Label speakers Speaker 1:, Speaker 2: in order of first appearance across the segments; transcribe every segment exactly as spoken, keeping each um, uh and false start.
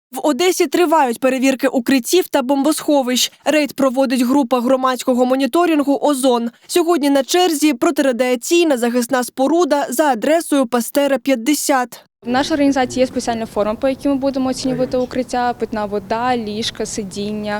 Speaker 1: В Одесі тривають перевірки укриттів та бомбосховищ. Рейд проводить група громадського моніторингу «Озон». Сьогодні на черзі протирадіаційна захисна споруда за адресою Пастера, п'ятдесят.
Speaker 2: В нашій організації є спеціальна форма, по якій ми будемо оцінювати укриття, питна вода, ліжка, сидіння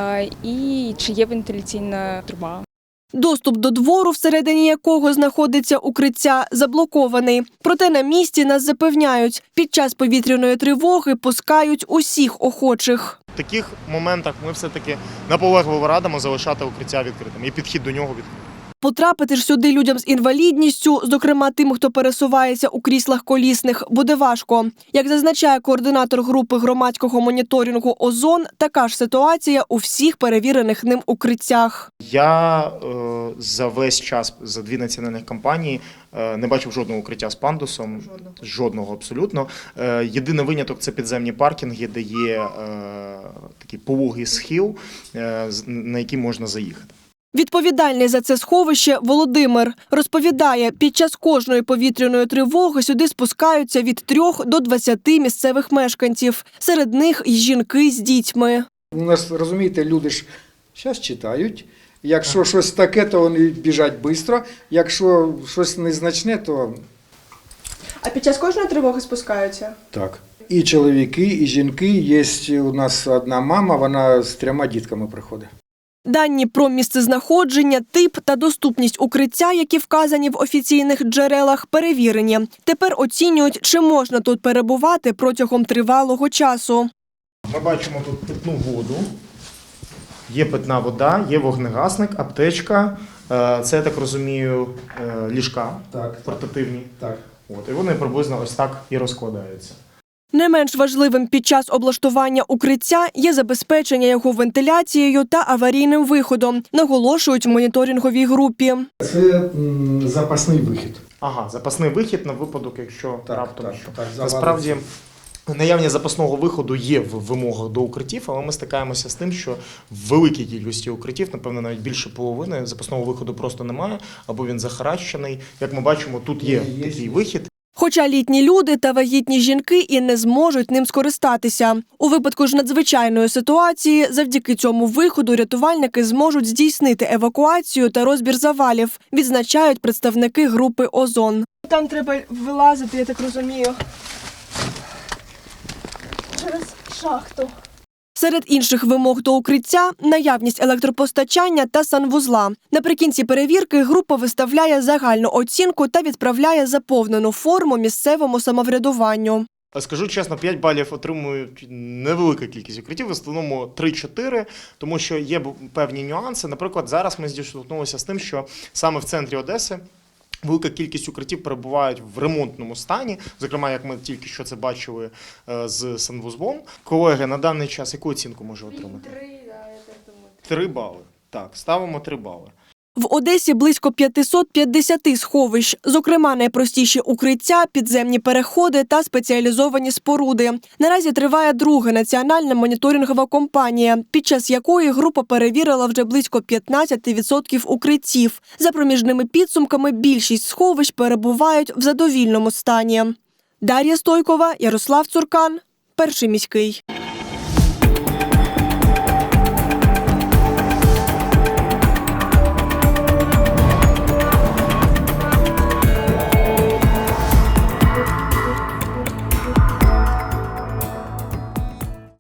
Speaker 2: і чи є вентиляційна труба.
Speaker 1: Доступ до двору, всередині якого знаходиться укриття, заблокований. Проте на місці нас запевняють, під час повітряної тривоги пускають усіх охочих.
Speaker 3: В таких моментах ми все-таки наполегливо радимо залишати укриття відкритим і підхід до нього відкритим.
Speaker 1: Потрапити ж сюди людям з інвалідністю, зокрема тим, хто пересувається у кріслах колісних, буде важко. Як зазначає координатор групи громадського моніторингу «Озон», така ж ситуація у всіх перевірених ним укриттях.
Speaker 3: Я е, за весь час, за дві національних кампанії, е, не бачив жодного укриття з пандусом. Жодного. Жодного абсолютно. Е, єдиний виняток – це підземні паркінги, де є е, такий пологий схил, е, на який можна заїхати.
Speaker 1: Відповідальний за це сховище Володимир розповідає, під час кожної повітряної тривоги сюди спускаються від трьох до двадцяти місцевих мешканців. Серед них й жінки з дітьми.
Speaker 4: У нас, розумієте, люди ж зараз читають. Якщо щось таке, то вони біжать швидко. Якщо щось незначне, то…
Speaker 1: А під час кожної тривоги спускаються?
Speaker 4: Так. І чоловіки, і жінки. Є у нас одна мама, вона з трьома дітками приходить.
Speaker 1: Дані про місцезнаходження, тип та доступність укриття, які вказані в офіційних джерелах, перевірені. Тепер оцінюють, чи можна тут перебувати протягом тривалого часу.
Speaker 3: Ми бачимо тут питну воду, є питна вода, є вогнегасник, аптечка, це, я так розумію, ліжка
Speaker 4: так,
Speaker 3: портативні.
Speaker 4: Так.
Speaker 3: От, і вони приблизно ось так і розкладаються.
Speaker 1: Не менш важливим під час облаштування укриття є забезпечення його вентиляцією та аварійним виходом, наголошують в моніторинговій групі.
Speaker 4: Це м, запасний вихід.
Speaker 3: Ага, запасний вихід на випадок, якщо
Speaker 4: Так,
Speaker 3: раптом
Speaker 4: так,
Speaker 3: що.
Speaker 4: так,
Speaker 3: Насправді, наявність запасного виходу є в вимогах до укриттів, але ми стикаємося з тим, що в великій кількості укриттів, напевно, навіть більше половини, запасного виходу просто немає, або він захаращений. Як ми бачимо, тут є, є такий є. вихід.
Speaker 1: Хоча літні люди та вагітні жінки і не зможуть ним скористатися. У випадку ж надзвичайної ситуації завдяки цьому виходу рятувальники зможуть здійснити евакуацію та розбір завалів, відзначають представники групи «Озон». Там треба вилазити, я так розумію, через шахту. Серед інших вимог до укриття – наявність електропостачання та санвузла. Наприкінці перевірки група виставляє загальну оцінку та відправляє заповнену форму місцевому самоврядуванню.
Speaker 3: Скажу чесно, п'ять балів отримують невелика кількість укриттів, в основному три-чотири, тому що є певні нюанси. Наприклад, зараз ми зіштовхнулися з тим, що саме в центрі Одеси велика кількість укриттів перебувають в ремонтному стані, зокрема, як ми тільки що це бачили з санвузлом. Колеги, на даний час яку оцінку може отримати? Три, да, я так думаю. Три бали. Так, ставимо три бали.
Speaker 1: В Одесі близько п'ятсот п'ятдесят сховищ, зокрема найпростіші укриття, підземні переходи та спеціалізовані споруди. Наразі триває друга національна моніторингова кампанія, під час якої група перевірила вже близько п'ятнадцять відсотків укриттів. За проміжними підсумками більшість сховищ перебувають в задовільному стані. Дар'я Стойкова, Ярослав Цуркан, Перший міський.